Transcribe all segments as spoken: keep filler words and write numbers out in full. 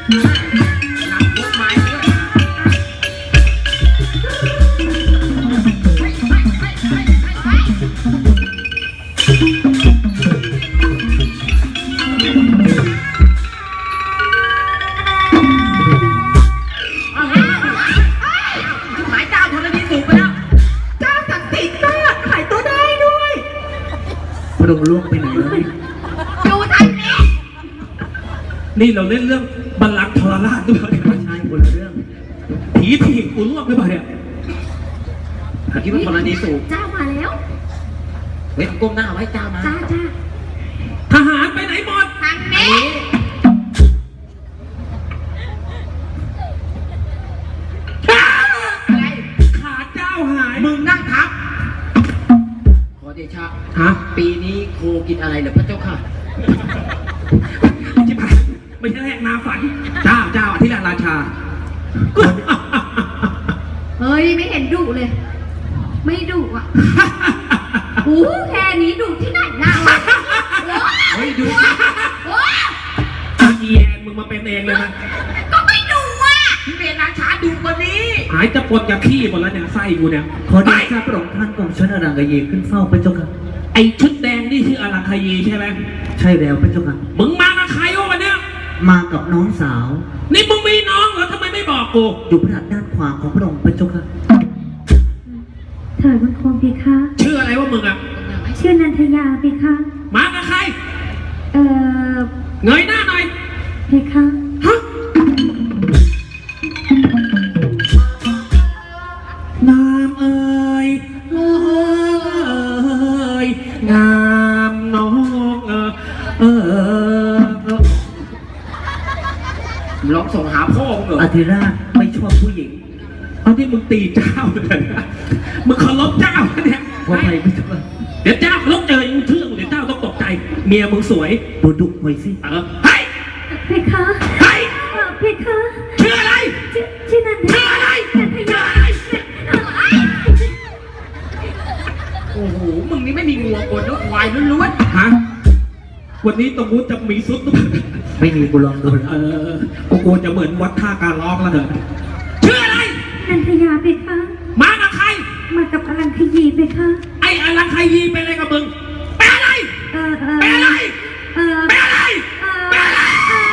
หลังพวกไม้ด้วยหมายเจ้าธรณีสูบไปแล้วเจ้าศักดิ์สิทธิ์ก็หายตัวได้ด้วยพระองค์ล่วงไปไหนแล้วอยู่ทางนี้นี่เราเล่นเรื่องบัลลังก์ทรราชด้วยไม่ใช่คนละเรื่องผีถีบกูล่วงหรือเปล่าเนี่ยคิดว่าธรณีสูบเจ้ามาแล้วเฮ้ยก้มหน้าไว้เจ้ามาจ้าจ้าทหารไปไหนหมดทางนี้อะไรขาเจ้าหายมึงนั่งทับขอเดชะฮะปีนี้โคกินอะไรเหรอพระเจ้าค่ะจิบหายไม่ใช่แรกนาฝันเจ้าเจ้าอธิราชราชาเฮ้ยไม่เห็นดุเลยไม่ดุอ่ะโอ้แค่นี้ดุที่ไหนเราเฮ้ยดุอีแอนมึงมาเป็นเองเลยนะก็ไม่ดุอ่ะพี่เบนราชาดุกว่านี้หายจะปนกับขี้หมดแล้วเนี่ยไส้กูเนี่ยขอได้ทราบพระองค์ท่านของฉันอรังกเยขึ้นเฝ้าพระเจ้าค่ะไอชุดแดงนี่ชื่ออลังคยีใช่ไหมใช่แล้วพระเจ้าค่ะมึงมากับใครวะวันเนี้ยมากับน้องสาวนี่มึงมีน้องเหรอทำไมไม่บอกกูอยู่พระหัตถ์ด้านขวาของพระองค์พระเจ้าค่ะเถิดมันคงเพคะชื่ออะไรวะมึงอ่ะชื่อนันทยาเพคะมากับใครเอ่อเงยหน้าหน่อยเพคะฮะงามเอ่ยเอ่ยงามน้องเออเออร้องส่งหาพ่อมึงเหรออธิราชไม่ชอบผู้หญิงเอาที่มึงตีเจ้าเลยนะมึงเคารพเจ้าเนี่ยว่าไปไม่ถูกเดี๋ยวเจ้าเคารพเจอยังเชื่อเดี๋ยวเจ้าต้องตกใจเมียมึงสวยดูดุหน่อยสิเออเฮ้ยเพคะเฮ้ยเพคะชื่ออะไรชื่อนันทชื่ออะไรชื่ออะไรโอ้โหมึงนี่ไม่มีงัวกดแล้วควายล้วนๆฮะวันนี้ตรงนู้นจะมีซุดไม่มีกูลองดูเออกูกูจะเหมือนวัดท่าการร้องแล้วเถอะชื่ออะไรนันทยาเพคะมากับใครมากับอลังคยีเพคะไอ้อลังคยีเป็นอะไรกับมึงเป็นอะไรเออเออเป็นอะไรเออเป็นอะไรเป็นอะไร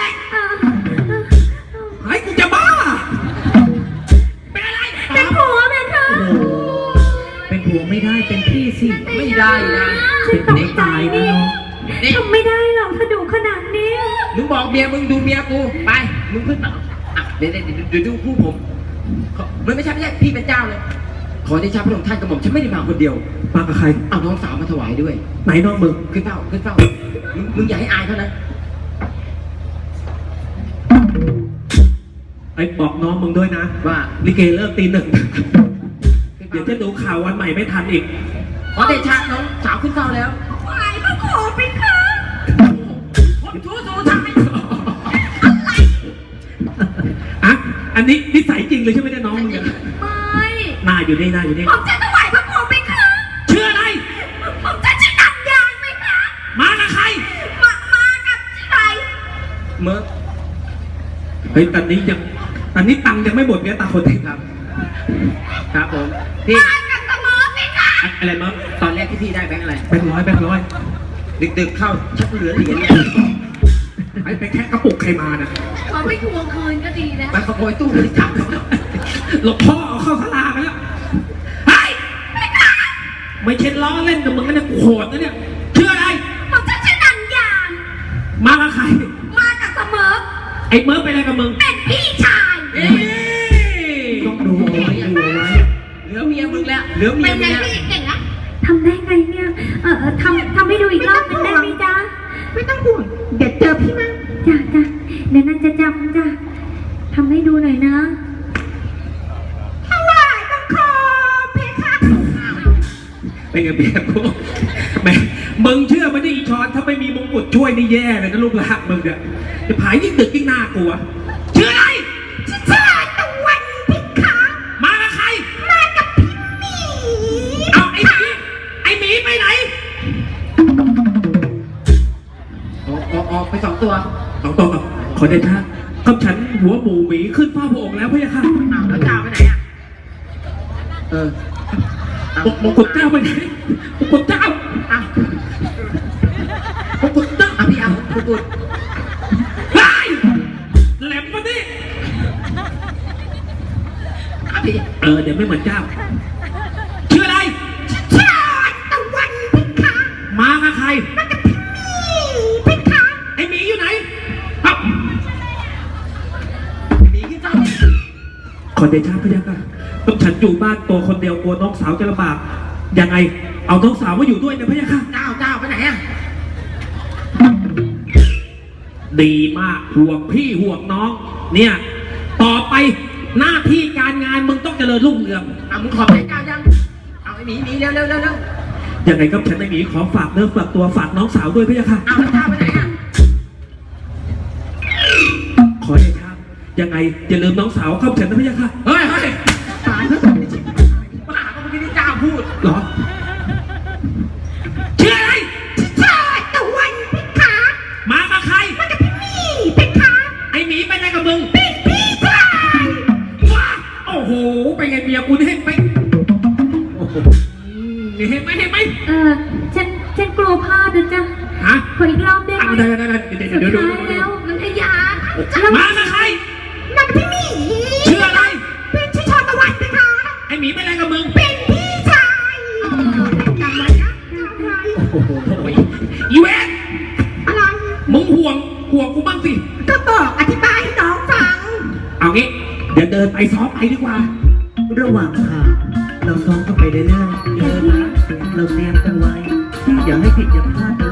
ไอ้กูจะบ้าเป็นอะไรเป็นผัวเพคะเป็นผัวไม่ได้เป็นพี่สิไม่ได้นะเป็นเด็กตายนะน้องทำไม่ได้หรอกถ้าดูขนาดนี้มึงบอกเมียมึงดูเมียกูไปมึงขึ้นมาอ่ะเดี๋ยวเดี๋ยวดูคู่ผมมันไม่ใช่ไม่ใช่พี่เป็นเจ้าเลยขอที่ชาพระองค์ท่านกระหม่อมฉันไม่ได้มาคนเดียวมากับใครเอาน้องสาวมาถวายด้วยไหนน้องมึงขึ้นเฝ้าขึ้นเฝ้ามึงมึงอย่าให้อายเขานะไอ้บอกน้องมึงด้วยนะว่าลิเกเลิกตีหนึ่งเดี๋ยวจะดูข่าววันใหม่ไม่ทันอีกขอเดชะน้องสาวขึ้นเฝ้าแล้วไหวก็ขอไปค่ะผมชู้ชู้ทำไม่อะไรอ่ะอันนี้นิสัยจริงเลยใช่ไหมเนี่ยน้องมึงไม่หน้าอยู่นี่หน้าอยู่นี่ผมจะถวายพระโคไปค่ะชื่ออะไรผมจะชื่อนันยางไหมคะมากับใครมามากับใครเมื่อเฮ้ยตอนนี้ยังตอนนี้ตังค์ยังไม่หมดเนี่ยตาคนเองครับครับผมพี่มากับเสมอไหมคะอะไรมั้งตอนแรกที่พี่ได้แบงค์อะไรแบงค์ร้อยแบงค์ร้อยดึกๆเข้าชักเหลือเหรียญเนี่ยไอ้ไปแค่กระปุกใครมานะเขาไม่ทวงคืนก็ดีนะไปขโมยตู้บริจาคหลบพ่อเอาเข้าสลาไปแล้วไอ้ไม่เช็ดล้อเล่นกับมึงนะโหดนะเนี่ยชื่ออะไรผมจะชื่อนันยางมากับใครมากับเสมอไอ้เมิร์ฟเป็นอะไรกับมึงเป็นพี่ชายต้องดูเอาไว้ดูเอาไว้เหลือเมียมึงแล้วเหลือเมียมึงแล้วเก่งนะทำได้ไงเนี่ยเออทำทำให้ดูอีกรอบนึงได้ไหมจ๊ะไม่ต้องห่วงเดี๋ยวเจอพี่มั้งจ้ะจ้ะเดี๋ยวนั่นจะจำจ้ะทำให้ดูหน่อยนะถวายบังคมเพคะเป็นไงเบียร์กูแม่มึงเชื่อมันได้อีชอนถ้าไม่มีมงกุฎช่วยนี่แย่เลยนะลูกหลานมึงเนี่ยจะผายยิ่งดึกยิ่งน่ากลัวชื่ออะไรชื่อตะวันเพคะมากับใครมากับพี่หมีเอาไอ้หมีไอ้หมีไปไหนออกออกออกไปสองตัวสองตัวขอเดชะกับฉันหัวหมูหมีขึ้นเฝ้าพระองค์แล้วพระยาค่ะอ้าวแล้วเจ้าไปไหนอ่ะเออมมงกุฎเจ้าไปไหนมงกุฎเจ้าอ้าวมงกุฎเจ้าอ่ะพี่เอาคุณกุฎไล่แหลมมาดิอ่ะพี่เออเดี๋ยวไม่เหมือนเจ้าชื่ออะไรชาตะวันพิฆามากับใครพิฆาไอหมีอยู่ไหนครับหนีขึ้นเจ้าขอเดชะพระยาค่ะต้องฉันอยู่บ้านตัวคนเดียวกลัวน้องสาวจะลำบากยังไงเอาน้องสาวมาอยู่ด้วยนะพระยาค่ะเจ้าเจ้าไปไหนอ่ะดีมากห่วงพี่ห่วงน้อง เนี่ย ต่อไปหน้าที่การงานมึงต้องเจริญรุ่งเรืองอ่ะมึงขอบใจเจ้ายังเอาไอ้หมีหมีเร็วเร็วเร็วเร็วยังไงก็ฉันไม่มีขอฝากเนื้อฝากตัวฝากน้องสาวด้วยพระยาค่ะเอาแล้วเจ้าไปไหนอ่ะขอเดชะยังไงอย่าลืมน้องสาวเข้าฉันนะพระยาค่ะเฮ้ยเฮ้ยตายแล้วไม่ใช่บ้าก็เมื่อกี้ที่เจ้าพูดเหรอชื่ออะไรชาตะวันพิฆามากับใครมันจะพี่พิฆาไอหมีไปไหนกับมึงเป็นพี่ชายว้าโอ้โหไปไงเมียกูเห็นไหมโอ้โหเห็นไหมเห็นไหมเออฉันฉันกลัวพลาดนะจ๊ะฮะขออีกรอบได้ไหอ่ะมได้ได้ได้เดี๋ยวสุดเดี๋ยวเดี๋ยวท้ายเดี๋ยวแล้วมันพยามากับใครมันเป็นพี่หมีชื่ออะไรเป็นชื่อชาตะวันพิฆาไอหมีไปไหนกับมึงเป็นพี่ชายจำไว้นะจำไว้โอ้โหอีเวนอะไรมึงห่วงห่วงกูบ้างสิก็บอกอธิบายให้น้องฟังเอางี้ เดี๋ยวเดินไปซ้อมไปดีกว่าระหว่างทางเราซ้อมกันไปเรื่อยๆเดินนะเราเตรียมกันไว้ อย่าให้ผิดอย่าพลาดนะ